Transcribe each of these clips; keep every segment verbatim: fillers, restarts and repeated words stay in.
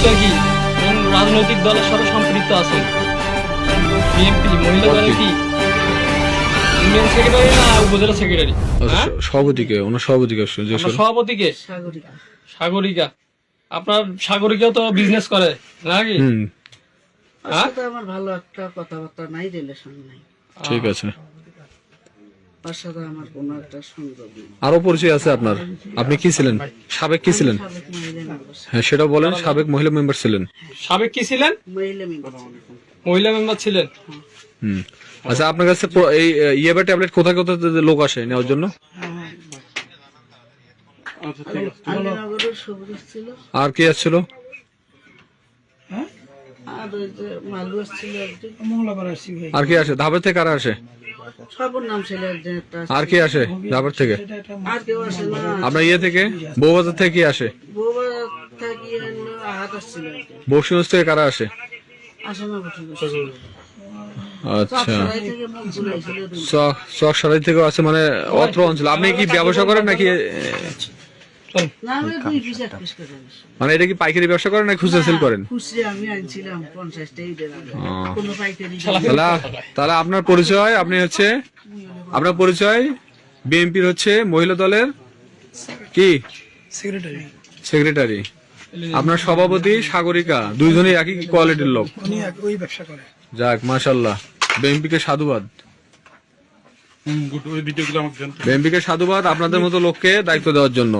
পরিচয় কি? কোন রাজনৈতিক দলের সাথে সম্পৃক্ত আছেন? বিএনপি মহিলা দলের কি ইউনিয়ন সেক্রেটারি না উপজেলা সেক্রেটারি? হ্যাঁ, সভাপতিকে ওনার সভাপতিকে আপনার সভাপতিকে সাগরিকা। আপনার সাগরিকাও তো বিজনেস করে নাকি? হুম, হ্যাঁ, আমার ভালো একটা কথাবার্তা নাই, রিলেশন নাই, ঠিক আছে। তার সাথে আমার কোনো একটা সংযোগ নেই। আরো পরিচয় আছে আপনার? আপনি কি ছিলেন? সাবেক কি ছিলেন? সাবেক মহিলা মেম্বার, হ্যাঁ, সেটা বলেন। সাবেক মহিলা মেম্বার ছিলেন। সাবেক কি ছিলেন? মহিলা মেম্বার মহিলা মেম্বার ছিলেন। হুম, আচ্ছা, আপনার কাছে প- এই ইয়েবা ট্যাবলেট কোথায় কোথায় লোক আসে নেওয়ার জন্য? আলীনগরের সবুজ ছিল, আর কি আসছিল? আর ওই যে মালু আসছিল একদিন, আর কি আসে? ধাপের থেকে কারা আসে? সবর নাম ছিল একজন একটা, আর কি আসে ধাপের থেকে? আর কেউ আসে না। আপনার ইয়ে থেকে, বউবাজার থেকে কি আসে? বউবা থাকি আহাত আসছিল একদিন, বক্সিগঞ্জ থেকে কারা আসে? আসে না বসে আচ্ছা, সরাই থেকে মুখ ঘুরাইছিল। চক চক সরাই থেকেও আছে, মানে অত্র অঞ্চল। আপনি কি ব্যবসা করেন নাকি? না, আমি দুই পিস এক পিস করে আনছি। মানে এটা কি পাইকারি ব্যবসা করেন নাকি খুচরা সেল করেন? খুচরা আমি আনছিলাম পঞ্চাশটা, এইটার আগে কোনো পাইকারি তাহলে তাহলে আপনার পরিচয়, আপনি হচ্ছে আপনার পরিচয় বিএনপির হচ্ছে মহিলা দলের কি সেক্রেটারি, সেক্রেটারি। আপনার সভাপতি সাগরিকা, দুইজনই একই কোয়ালিটির লোক। উনি ওই ব্যবসা করে। যাক, মাশাআল্লাহ, বিএনপিকে সাধুবাদ। বিএনপিকে সাধুবাদ আপনাদের মতো লোককে দায়িত্ব দেওয়ার জন্য।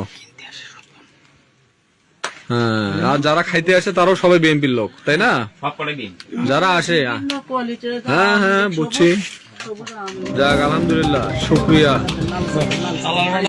হ্যাঁ, আর যারা খাইতে আসে তারাও সবাই বিএনপির লোক, তাই না? যারা আসে, কোয়ালিটির হ্যাঁ হ্যাঁ বুঝছি। যাক, আলহামদুলিল্লাহ, শুক্রিয়া।